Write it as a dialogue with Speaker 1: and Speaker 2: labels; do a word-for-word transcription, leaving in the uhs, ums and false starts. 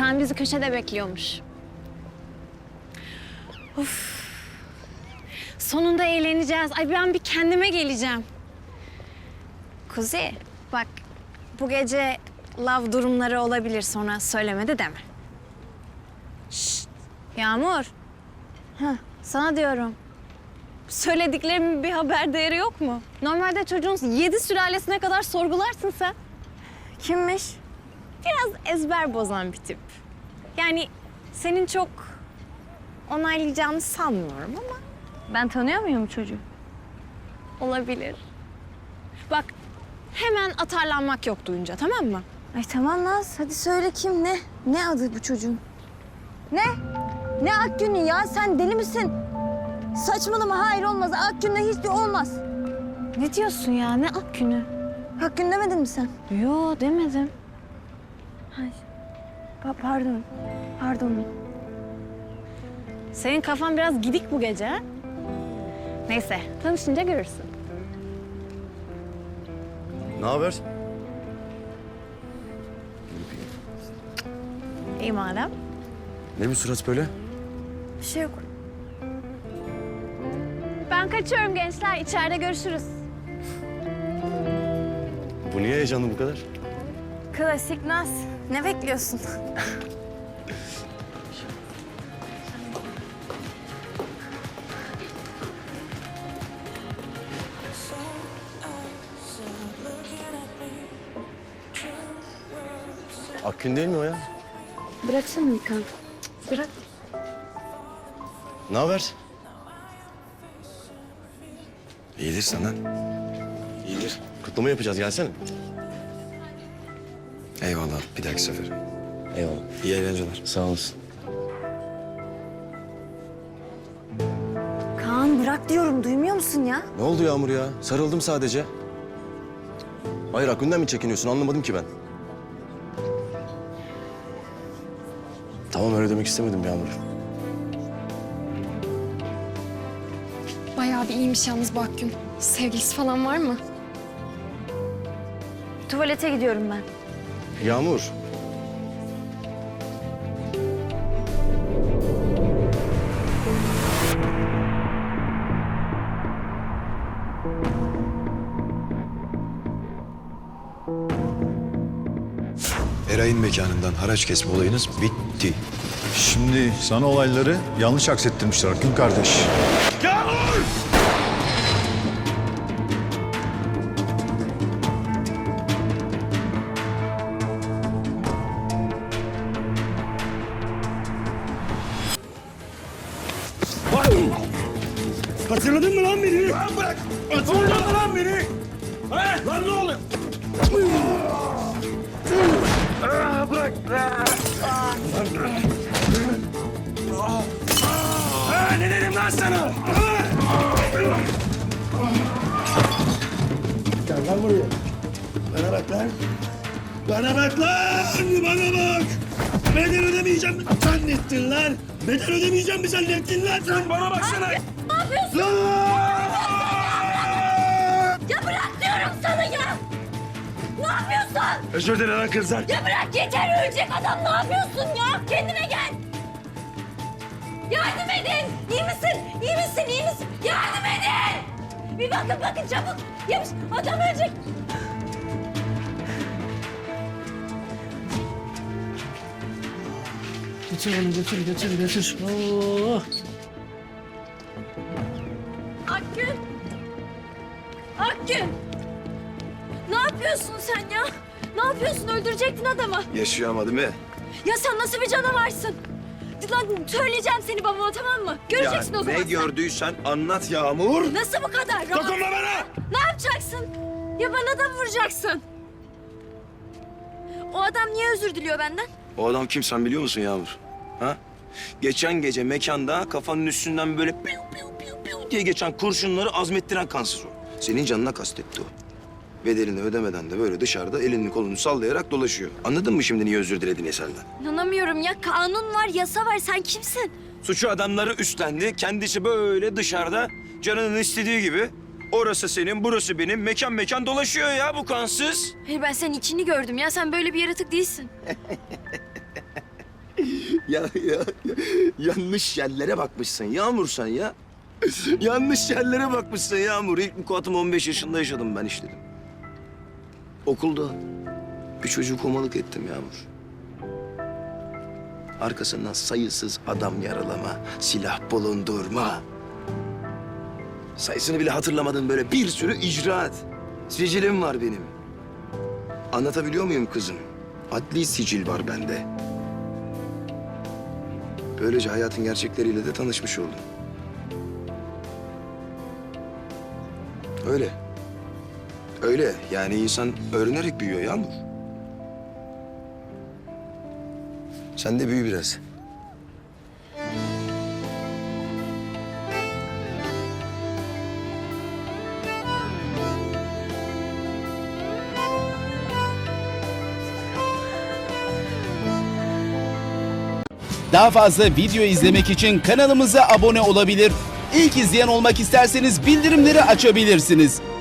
Speaker 1: Kaan bizi köşede bekliyormuş. Of. Sonunda eğleneceğiz. Ay ben bir kendime geleceğim. Kuzi, bak bu gece love durumları olabilir, sonra söylemedi deme. Şşt, Yağmur. Heh, sana diyorum. Söylediklerimin bir haber değeri yok mu? Normalde çocuğun yedi sülalesine kadar sorgularsın sen. Kimmiş? Biraz ezber bozan bir tip. Yani senin çok onaylayacağını sanmıyorum ama... Ben tanıyor muyum çocuğu? Olabilir. Bak, hemen atarlanmak yok duyunca, tamam mı?
Speaker 2: Ay tamam Naz, hadi söyle kim, ne? Ne adı bu çocuğun? Ne? Ne Akgün'ü ya? Sen deli misin? Saçmalama, hayır olmaz. Akgün'le hiçbir olmaz.
Speaker 1: Ne diyorsun ya? Ne Akgün'ü?
Speaker 2: Akgün demedin mi sen?
Speaker 1: Yo, demedim.
Speaker 2: Hayır. Pa pardon. Pardon.
Speaker 1: Senin kafan biraz gidik bu gece, ha? Neyse, tanışınca görürsün.
Speaker 3: Ne haber?
Speaker 1: İyi madem.
Speaker 3: Ne bu surat böyle?
Speaker 2: Bir şey yok.
Speaker 1: Ben kaçıyorum gençler. İçeride görüşürüz.
Speaker 3: Bu niye heyecanlı bu kadar?
Speaker 2: Klasik Naz. Ne bekliyorsun?
Speaker 3: Akgün değil mi o ya?
Speaker 2: Bıraksana Mikan. Bırak.
Speaker 3: Ne haber? İyidir senden. İyidir. Kutlama yapacağız, gelsene.
Speaker 4: Eyvallah, bir dahaki sefere.
Speaker 3: Eyvallah.
Speaker 4: İyi eğlenceler.
Speaker 3: Sağ olasın.
Speaker 2: Kaan bırak diyorum, duymuyor musun ya?
Speaker 3: Ne oldu Yağmur ya? Sarıldım sadece. Hayır, Akgün'den mi çekiniyorsun? Anlamadım ki ben. Tamam, öyle demek istemedim Yağmur.
Speaker 5: Bayağı bir iyiymiş yalnız bu Akgün. Sevgilisi falan var mı?
Speaker 2: Tuvalete gidiyorum ben.
Speaker 3: Yağmur.
Speaker 4: Eray'ın mekanından haraç kesme olayınız bitti.
Speaker 6: Şimdi sana olayları yanlış aksettirmişler Akgün kardeş.
Speaker 7: Hatırladın mı lan beni? Lan bırak! Hatırladın mı lan beni? He? Lan ne oluyor? Aa, bırak! Ha, ne dedim lan sana? Gel lan buraya. Bana bak lan. Bana bak lan! Bana bak! Bedel ödemeyeceğim mi zannettin lan? Bedel ödemeyeceğim mi zannettin lan? Sen bana baksana!
Speaker 2: Ne yapıyorsun? Ya bırak diyorum sana ya! Ne yapıyorsun?
Speaker 7: Özür dilerim lan kızlar.
Speaker 2: Ya bırak yeter, ölecek adam, ne yapıyorsun ya? Kendine gel! Yardım edin! İyi misin? İyi misin? İyi misin? Yardım edin! Bir bakın bakın çabuk! Yamış, adam ölecek!
Speaker 7: Götür onu götür götür götür. Oo.
Speaker 2: Akgün! Akgün! Ne yapıyorsun sen ya? Ne yapıyorsun? Öldürecektin adamı.
Speaker 4: Yaşıyor ama değil mi?
Speaker 2: Ya sen nasıl bir canavarsın? Lan söyleyeceğim seni babama, tamam mı? Göreceksin o zaman
Speaker 4: ne
Speaker 2: sen.
Speaker 4: gördüysen anlat Yağmur.
Speaker 2: Nasıl bu kadar rahat?
Speaker 7: Dokunma bana!
Speaker 2: Ne yapacaksın? Ya bana da vuracaksın. O adam niye özür diliyor benden?
Speaker 4: O adam kim sen biliyor musun Yağmur? Ha? Geçen gece mekanda kafanın üstünden böyle piu piu piu piu diye geçen kurşunları azmettiren kansız o. Senin canına kastetti o. Bedelini ödemeden de böyle dışarıda elini kolunu sallayarak dolaşıyor. Anladın mı şimdi niye özür dilediğini senden?
Speaker 2: İnanamıyorum ya. Kanun var, yasa var. Sen kimsin?
Speaker 4: Suçu adamları üstlendi. Kendisi böyle dışarıda canının istediği gibi. Orası senin, burası benim. Mekan mekan dolaşıyor ya bu kansız.
Speaker 2: Hayır, ben senin içini gördüm ya. Sen böyle bir yaratık değilsin.
Speaker 4: ya, ya, ya yanlış yerlere bakmışsın Yağmur sen ya. Yanlış yerlere bakmışsın Yağmur. İlk vukuatımı on beş yaşında yaşadım ben işledim. Okulda bir çocuğu komalık ettim Yağmur. Arkasından sayısız adam yaralama, silah bulundurma. Sayısını bile hatırlamadığım böyle bir sürü icraat. Sicilim var benim. Anlatabiliyor muyum kızım? Adli sicil var bende. Böylece hayatın gerçekleriyle de tanışmış oldum. Öyle. Öyle. Yani insan öğrenerek büyüyor Yağmur. Sen de büyü biraz.
Speaker 8: Daha fazla video izlemek için kanalımıza abone olabilir. İlk izleyen olmak isterseniz bildirimleri açabilirsiniz.